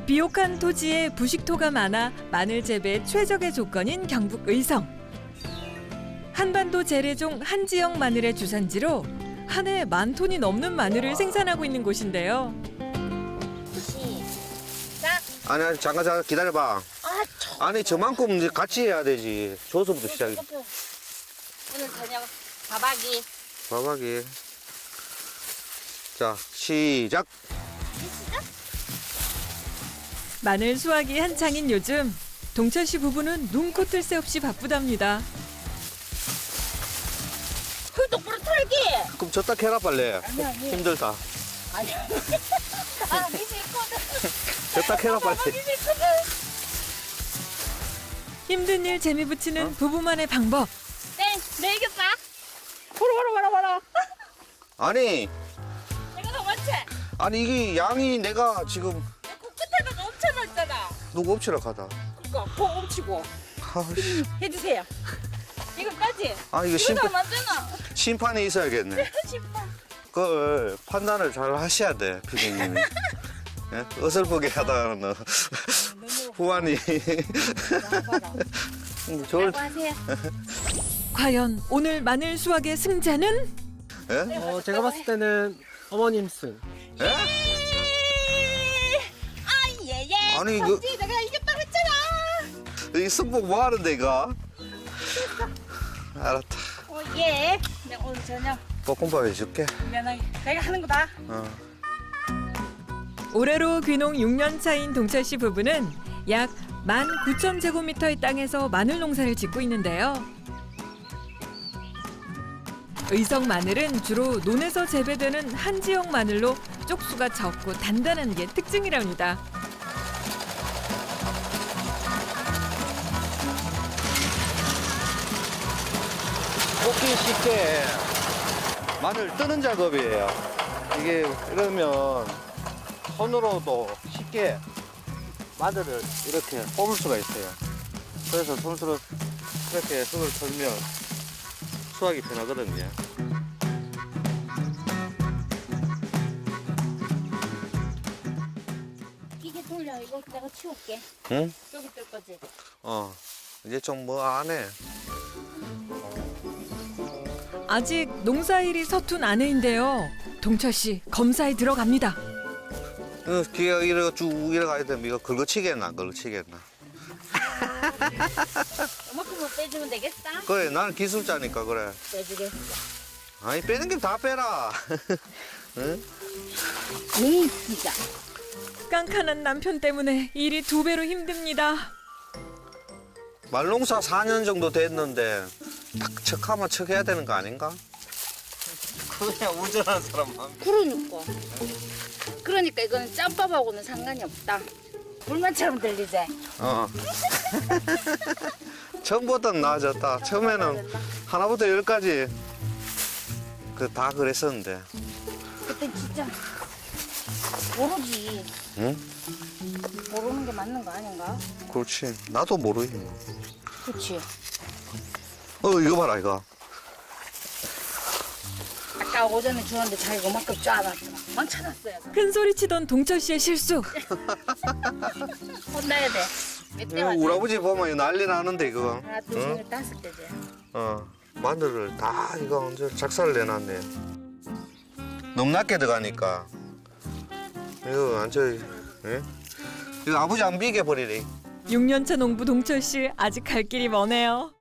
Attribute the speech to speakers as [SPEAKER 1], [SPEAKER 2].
[SPEAKER 1] 비옥한 토지에 부식토가 많아 마늘 재배 최적의 조건인 경북 의성. 한반도 재래종 한지역 마늘의 주산지로 한 해 10,000톤이 넘는 마늘을 생산하고 있는 곳인데요.
[SPEAKER 2] 시작.
[SPEAKER 3] 아니 잠깐 기다려봐. 아니 저만큼 이제 같이 해야 되지. 저서부터 시작이.
[SPEAKER 2] 오늘 저녁 밥하기.
[SPEAKER 3] 밥하기. 자 시작.
[SPEAKER 1] 마늘 수확이 한창인 요즘 동철 씨 부부는 눈코 뜰 새 없이 바쁘답니다.
[SPEAKER 2] 그 똑바로 털기.
[SPEAKER 3] 그럼 저 딱 해라 빨리.
[SPEAKER 2] 아니.
[SPEAKER 3] 힘들다.
[SPEAKER 2] 아니. 아 미지 있거든.
[SPEAKER 3] 저 딱 해라 빨리.
[SPEAKER 2] 미지 있거든.
[SPEAKER 1] 힘든 일 재미 붙이는 부부만의 방법.
[SPEAKER 2] 내 이겼다. 보라.
[SPEAKER 3] 아니
[SPEAKER 2] 내가 더 많지?
[SPEAKER 3] 아니 이게 양이 내가 지금
[SPEAKER 2] 그 끝에다가 엄청 넣었잖아.
[SPEAKER 3] 누구 엎치러 가다.
[SPEAKER 2] 그니까 코 엄치고
[SPEAKER 3] 아씨.
[SPEAKER 2] 해주세요. 이거까지.
[SPEAKER 3] 아 이거
[SPEAKER 2] 이거 다 맞잖아.
[SPEAKER 3] 심판이 있어야겠네.
[SPEAKER 2] 심판.
[SPEAKER 3] 그걸 판단을 잘 하셔야 돼 피디님이. 예? 어설프게 하다가는 후환이. 좋을.
[SPEAKER 2] 하세요.
[SPEAKER 1] 과연 오늘 마늘 수확의 승자는?
[SPEAKER 3] 예?
[SPEAKER 4] 제가 봤을 때는 어머님 승.
[SPEAKER 3] 예?
[SPEAKER 2] 예예.
[SPEAKER 3] 아니, 이거-
[SPEAKER 2] 봤지? 내가 이겼다고 했잖아.
[SPEAKER 3] 이 승복 뭐 하는데 이거? 알았다.
[SPEAKER 2] 예. 내가 오늘 저녁
[SPEAKER 3] 볶음밥 해줄게.
[SPEAKER 2] 면하게 내가 하는 거다.
[SPEAKER 3] 어.
[SPEAKER 1] 올해로 귀농 6년 차인 동철 씨 부부는 약 19,000제곱미터의 땅에서 마늘 농사를 짓고 있는데요. 의성 마늘은 주로 논에서 재배되는 한지역 마늘로 쪽수가 적고 단단한 게 특징이랍니다.
[SPEAKER 3] 볶기 쉽게 마늘 뜨는 작업이에요. 이게 이러면 손으로도 쉽게 마늘을 이렇게 뽑을 수가 있어요. 그래서 손으로 이렇게 손을 털면 수확이 편하거든요.
[SPEAKER 2] 이게 돌려. 이거 내가 치울게.
[SPEAKER 3] 응?
[SPEAKER 2] 여기 뜰 거지.
[SPEAKER 3] 이제 좀 뭐 안 해.
[SPEAKER 1] 아직 농사일이 서툰 아내인데요. 동철 씨 검사에 들어갑니다.
[SPEAKER 3] 기가 이래 쭉 이래가야 되면 이거 긁어치겠나 긁어치겠나.
[SPEAKER 2] 이만큼만 빼주면 되겠어?
[SPEAKER 3] 그래 나는 기술자니까 그래.
[SPEAKER 2] 빼주겠어.
[SPEAKER 3] 아니 빼는 게 다 빼라. 응?
[SPEAKER 2] 진짜.
[SPEAKER 1] 깐깐한 남편 때문에 일이 2배로 힘듭니다.
[SPEAKER 3] 말농사 4년 정도 됐는데 딱 척하면 척해야 되는 거 아닌가? 그냥 운전하는 사람만.
[SPEAKER 2] 그러니까 이거는 짬밥하고는 상관이 없다. 불만처럼 들리지?
[SPEAKER 3] 처음보다는 나아졌다. 처음에는 하나부터 10까지 다 그랬었는데.
[SPEAKER 2] 그때 진짜 모르지.
[SPEAKER 3] 응?
[SPEAKER 2] 모르는 게 맞는 거 아닌가?
[SPEAKER 3] 그렇지. 나도 모르지.
[SPEAKER 2] 그렇지.
[SPEAKER 3] 이거 봐라 이거.
[SPEAKER 2] 아까 오전에 주웠는데 자기가 그만큼 쫙놨잖아. 망쳐놨어요.
[SPEAKER 1] 큰 소리 치던 동철 씨의 실수.
[SPEAKER 2] 혼나야 돼. 몇 대
[SPEAKER 3] 이거
[SPEAKER 2] 맞아?
[SPEAKER 3] 우리 아버지 보면 이거 난리 나는데 이거.
[SPEAKER 2] 하나, 둘,
[SPEAKER 3] 응?
[SPEAKER 2] 셋, 다섯 대지.
[SPEAKER 3] 마늘을 다 이거 언제 작살을 내놨네. 너무 낮게 들어가니까. 이거 완전 예? 이거 아버지 안 비게 버리래.
[SPEAKER 1] 6년차 농부 동철 씨 아직 갈 길이 머네요.